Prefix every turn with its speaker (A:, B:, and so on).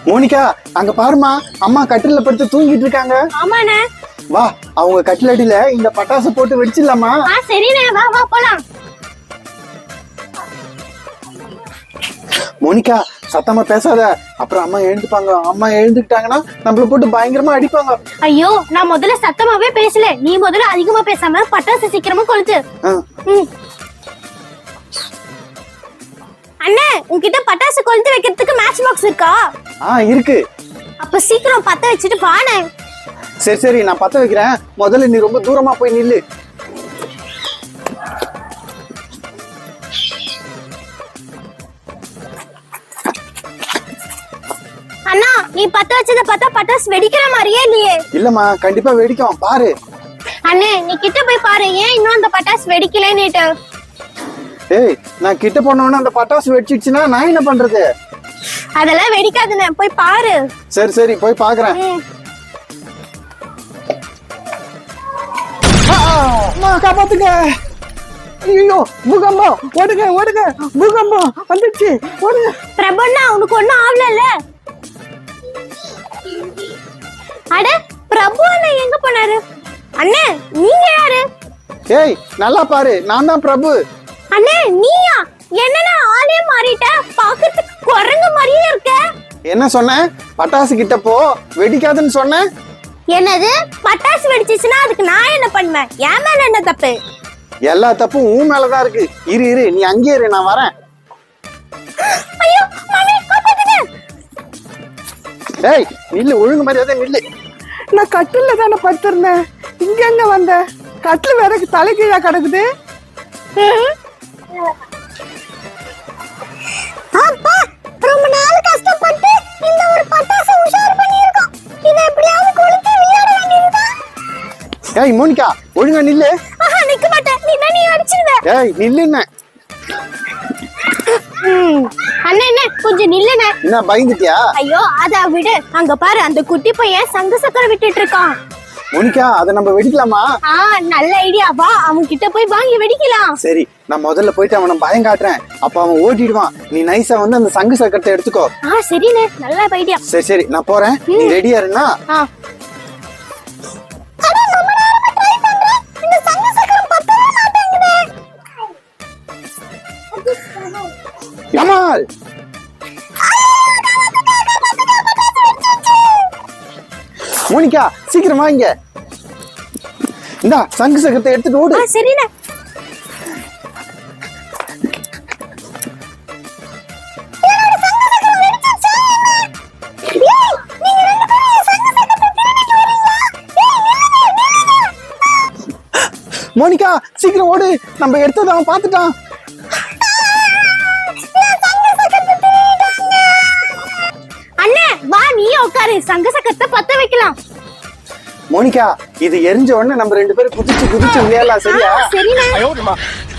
A: Monica, அங்க பாருமா, அம்மா கட்டில படுத்து தூங்கிட்டு இருக்காங்க.
B: ஆமாண்ணே.
A: வா, அவங்க கட்டிலடியில இந்த பட்டாசு போட்டு வெடிச்சிடலாமா?
B: சரிண்ணே, வா வா போலாம்.
A: மோனிகா, சத்தமா பேசாத, அப்புறம் அம்மா எழுந்துப்பாங்க. அம்மா எழுந்துக்கிட்டாங்கன்னா நம்மள போட்டு பயங்கரமா அடிப்பாங்க.
B: ஐயோ, நான் முதல்ல சத்தமாவே பேசல. நீ முதல்ல அதிகமா பேசாம பட்டாசு சீக்கிரமா கொளுத்து. அண்ணே, உன்கிட்ட பட்டாசு கொளுத்து வைக்கிறதுக்கு மேட்ச் பாக்ஸ் இருக்கா?
A: இருக்கு.
B: அப்ப சீக்கிரம் பத்த வச்சுட்டு வாண்ணே.
A: சரி சரி, நான் பத்த வைக்கிறேன். முதல்ல நீ ரொம்ப தூரமா போய் நில்லு.
B: அண்ணா, நீ பத்த வச்சத பார்த்தா பட்டாசு வெடிக்கிற மாதிரியே இல்லையே.
A: இல்லம்மா, கண்டிப்பா வெடிக்கும், பாரு.
B: அண்ணே, நீ கிட்ட போய் பாரு, ஏன் இன்னும் அந்த பட்டாசு வெடிக்கலன்னுட்டு.
A: ஏய், நான் கிட்ட போனோம்னா அந்த பட்டாசு வெடிச்சிடுச்சுன்னா நான் என்ன பண்றது?
B: அதெல்லாம் வெடிக்காதுண்ணே, போய் பாரு.
A: சரி சரி, போய் பாக்குறேன். காப்பாத்துங்க. ஐயோ, பூகம்பம், ஓடுங்க ஓடுங்க, பூகம்பம் வந்துச்சு, ஓடுங்க.
B: பிரபுண்ணா, உனக்கு ஒண்ணும் ஆகல? அட, பிரபு அண்ணா எங்க போனாரு? அண்ணே, நீங்க யாரு?
A: ஏய், நல்லா பாரு, நான் தான் பிரபு.
B: அண்ணே, நீயா? என்னன்னா ஆளே மாறிட்ட, பாக்கிறதுக்கு குரங்கு மாதிரியே இருக்க.
A: என்ன சொன்ன? பட்டாசு கிட்ட போ, வெடிக்காதுன்னு சொன்ன.
B: என்னது? பட்டாசு வெடிச்சிச்சுன்னா அதுக்கு நான் என்ன பண்ணுவேன்? என் மேல என்ன தப்பு?
A: எல்லா தப்பும் உன் மேலதான் இருக்கு. இரு இரு, நீ அங்கேயே இரு, நான் வரேன்.
B: ஐயோ, மம்மி, காப்பாத்துங்க.
A: ஏய், நில்லு, ஒழுங்கு மரியாதை நில்லு.
C: நான் கட்டில தானே படுத்திருந்தேன், இங்க எங்க வந்த? கட்டில் வேற தலைகீழா கிடக்குது.
B: அப்பா, ரொம்ப நாள் கஷ்டப்பட்டு இந்த ஒரு பட்டாசு உஷார் பண்ணியிருக்கோம். இதை எப்படியாவது கொளுத்தி விளையாட வேண்டியதுதான்.
A: ஏய் மோனிகா, ஒழுங்கா நில்லு.
B: நிக்க மாட்டேன், நீ அடிச்சிடுவ.
A: ஏய், நில்லுன்னு.
B: அண்ணே, என்ன கொஞ்சம் நில்லுண்ணே.
A: என்ன பயந்துட்டியா?
B: ஐயோ, அத விடு. அங்க பாரு, அந்த குட்டி பையன் சங்கு சக்கரம் விட்டுட்டு இருக்கான்.
A: மோனிகா, அதை நம்ம வெடிக்கலாமா?
B: நல்ல ஐடியா. வா, அவன் கிட்ட போய் வாங்கி வெடிக்கலாம்.
A: சரி, நான் முதல்ல போயிட்டு அவனை பயம் காட்டுறேன். அப்ப அவன் ஓட்டிடுவான். நீ நைஸா வந்து அந்த சங்கு சக்கரத்தை எடுத்துக்கோ.
B: சரிண்ணே, நல்ல ஐடியா.
A: சரி சரி, நான் போறேன். நீ ரெடியா இருந்தா? கமால், மோனிகா, சீக்கிரம் வாங்க. இந்தா, சங்கு சக்கரத்தை எடுத்துட்டு ஓடு.
B: சரிண்ணே.
A: மோனிகா, சீக்கிரம் ஓடு, நம்ம எடுத்தது அவன் பார்த்துட்டான்.
B: அண்ணே, வா, நீயே உட்காரு, சங்க சக்கரத்தை பத்த வைக்கலாம்.
A: மோனிகா, இது எரிஞ்ச உடனே நம்ம ரெண்டு பேரும் குதிச்சு குதிச்சு விளையாடலாம், சரியா?
B: சரிண்ணே.